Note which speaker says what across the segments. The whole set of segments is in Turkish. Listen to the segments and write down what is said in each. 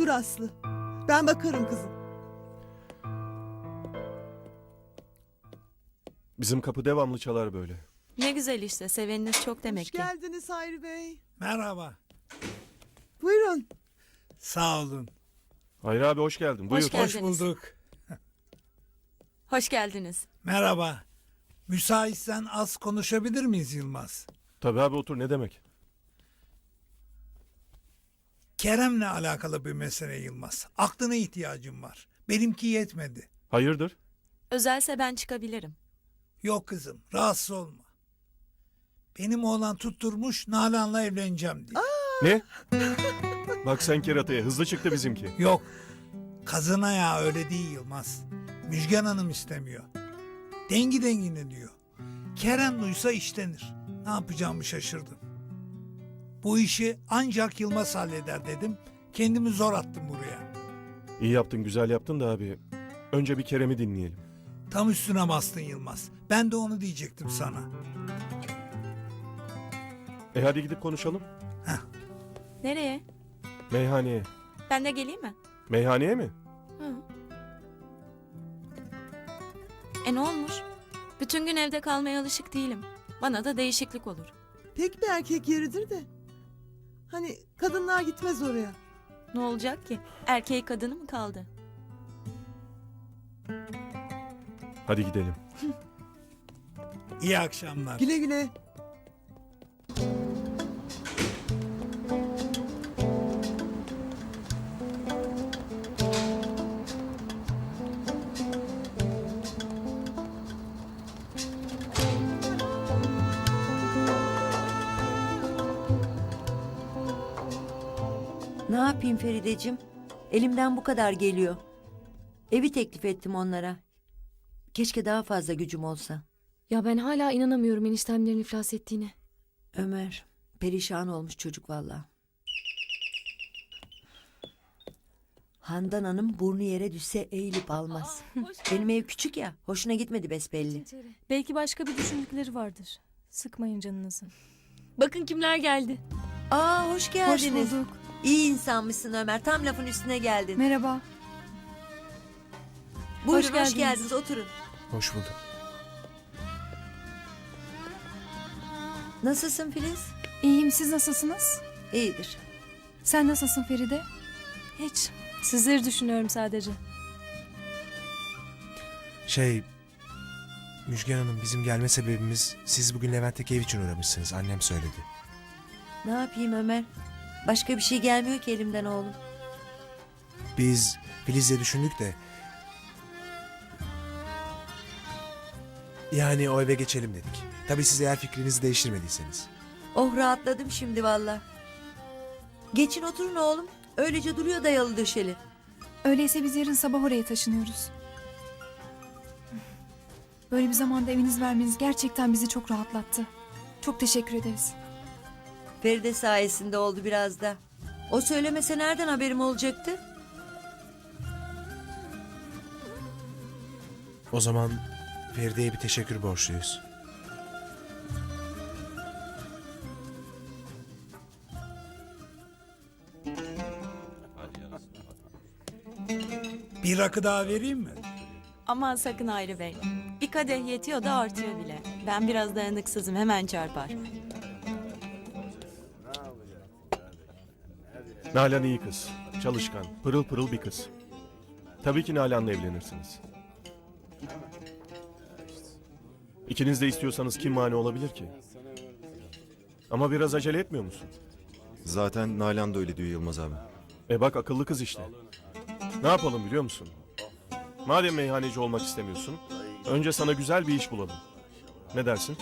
Speaker 1: Dur Aslı. Ben bakarım kızım.
Speaker 2: Bizim kapı devamlı çalar böyle.
Speaker 3: Ne güzel işte, seveniniz çok demek
Speaker 1: Hoş
Speaker 3: ki.
Speaker 1: geldiniz Hayri Bey.
Speaker 4: Merhaba.
Speaker 1: Buyurun.
Speaker 4: Sağ olun.
Speaker 2: Hayri abi hoş geldin. Buyur.
Speaker 3: Hoş geldin.
Speaker 4: Hoş bulduk.
Speaker 3: Hoş geldiniz.
Speaker 4: Merhaba. Müsaitsen az konuşabilir miyiz Yılmaz?
Speaker 2: Tabii abi otur, ne demek?
Speaker 4: Kerem'le alakalı bir mesele Yılmaz. Aklına ihtiyacım var. Benimki yetmedi.
Speaker 2: Hayırdır?
Speaker 3: Özelse ben çıkabilirim.
Speaker 4: Yok kızım, rahatsız olma. Benim oğlan tutturmuş Nalan'la evleneceğim diye.
Speaker 2: Ne? Bak sen kerataya, hızlı çıktı bizimki.
Speaker 4: Yok. Kazına ya öyle değil Yılmaz. Müjgan Hanım istemiyor. Dengi dengine diyor. Kerem duysa işlenir. Ne yapacağımı şaşırdım. Bu işi ancak Yılmaz halleder dedim. Kendimi zor attım buraya.
Speaker 2: İyi yaptın, güzel yaptın da abi. Önce bir Kerem'i dinleyelim.
Speaker 4: Tam üstüne bastın Yılmaz. Ben de onu diyecektim sana.
Speaker 2: Hadi gidip konuşalım.
Speaker 3: Nereye?
Speaker 2: Meyhaneye.
Speaker 3: Ben de geleyim mi?
Speaker 2: Meyhaneye mi?
Speaker 3: Hı. Ne olmuş? Bütün gün evde kalmaya alışık değilim. Bana da değişiklik olur.
Speaker 1: Tek bir erkek yeridir de. Hani kadınlar gitmez oraya.
Speaker 3: Ne olacak ki? Erkeği kadını mı kaldı?
Speaker 2: Hadi gidelim.
Speaker 4: İyi akşamlar.
Speaker 1: Güle güle.
Speaker 5: Ne yapayım Ferideciğim? Elimden bu kadar geliyor. Evi teklif ettim onlara. Keşke daha fazla gücüm olsa.
Speaker 6: Ya ben hala inanamıyorum eniştemlerin iflas ettiğine.
Speaker 5: Ömer, perişan olmuş çocuk valla. Handan Hanım burnu yere düşse eğilip almaz. Benim ev küçük ya, hoşuna gitmedi besbelli.
Speaker 6: Belki başka bir düşündükleri vardır. Sıkmayın canınızı. Bakın kimler geldi.
Speaker 5: Aa, hoş geldiniz.
Speaker 6: Hoş bulduk.
Speaker 5: İyi insanmışsın Ömer, tam lafın üstüne geldin.
Speaker 6: Merhaba.
Speaker 5: Buyurun, hoş
Speaker 6: geldiniz.
Speaker 5: geldiniz, oturun.
Speaker 2: Hoş bulduk.
Speaker 5: Nasılsın Filiz?
Speaker 7: İyiyim, siz nasılsınız?
Speaker 5: İyidir.
Speaker 7: Sen nasılsın Feride?
Speaker 6: Hiç. Sizleri düşünüyorum sadece.
Speaker 8: Müjgan Hanım, bizim gelme sebebimiz siz bugün Levent'teki ev için uğramışsınız. Annem söyledi.
Speaker 5: Ne yapayım Ömer? Başka bir şey gelmiyor ki elimden oğlum.
Speaker 8: Biz Filiz'le düşündük de... Yani o eve geçelim dedik. Tabii siz eğer fikrinizi değiştirmediyseniz.
Speaker 5: Oh, rahatladım şimdi valla. Geçin oturun oğlum. Öylece duruyor dayalı döşeli.
Speaker 7: Öyleyse biz yarın sabah oraya taşınıyoruz. Böyle bir zamanda eviniz vermeniz gerçekten bizi çok rahatlattı. Çok teşekkür ederiz.
Speaker 5: Feride sayesinde oldu biraz da. O söylemese nereden haberim olacaktı?
Speaker 8: O zaman Feride'ye bir teşekkür borçluyuz.
Speaker 4: Bir rakı daha vereyim mi?
Speaker 3: Aman sakın Hayri Bey. Bir kadeh yetiyor da artıyor bile. Ben biraz dayanıksızım, hemen çarpar.
Speaker 2: Nalan iyi kız. Çalışkan, pırıl pırıl bir kız. Tabii ki Nalan'la evlenirsiniz. İkiniz de istiyorsanız kim mani olabilir ki? Ama biraz acele etmiyor musun?
Speaker 9: Zaten Nalan da öyle diyor Yılmaz abi.
Speaker 2: Bak akıllı kız işte. Ne yapalım biliyor musun? Madem meyhaneci olmak istemiyorsun, önce sana güzel bir iş bulalım. Ne dersin?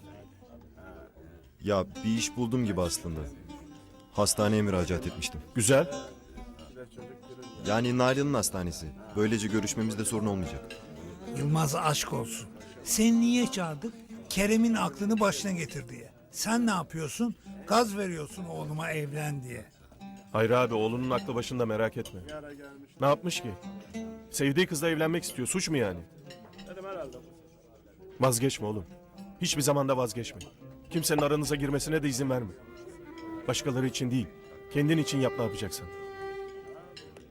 Speaker 9: Ya bir iş buldum gibi aslında. Hastaneye müracaat etmiştim.
Speaker 2: Güzel.
Speaker 9: Yani Nalan'ın hastanesi. Böylece görüşmemizde sorun olmayacak.
Speaker 4: Yılmaz aşk olsun. Seni niye çağırdık? Kerem'in aklını başına getir diye. Sen ne yapıyorsun? Gaz veriyorsun oğluma evlen diye.
Speaker 2: Hayır abi, oğlunun aklı başında, merak etme. Ne yapmış ki? Sevdiği kızla evlenmek istiyor. Suç mu yani? Vazgeçme oğlum. Hiçbir zamanda vazgeçme. Kimsenin aranıza girmesine de izin verme. Başkaları için değil, kendin için yap ne yapacaksan.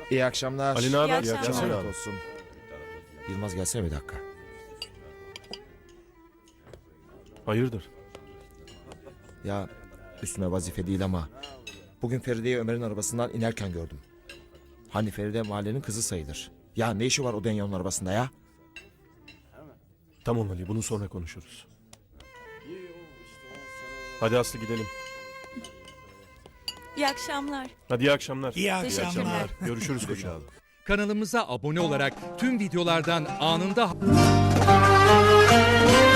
Speaker 10: İyi akşamlar.
Speaker 2: Ali ne haber?
Speaker 3: İyi akşamlar.
Speaker 2: Gelsene
Speaker 10: Afiyet
Speaker 2: abi.
Speaker 10: olsun. Yılmaz gelsene bir dakika.
Speaker 2: Hayırdır?
Speaker 10: Ya üstüme vazife değil ama bugün Feride'yi Ömer'in arabasından inerken gördüm. Hani Feride mahallenin kızı sayılır. Ya ne işi var o Denyo'nun arabasında ya?
Speaker 2: Tamam Ali, bunu sonra konuşuruz. Hadi Aslı gidelim.
Speaker 3: İyi akşamlar.
Speaker 2: Hadi iyi akşamlar.
Speaker 4: İyi akşamlar.
Speaker 2: Görüşürüz koçum.
Speaker 11: Kanalımıza abone olarak tüm videolardan anında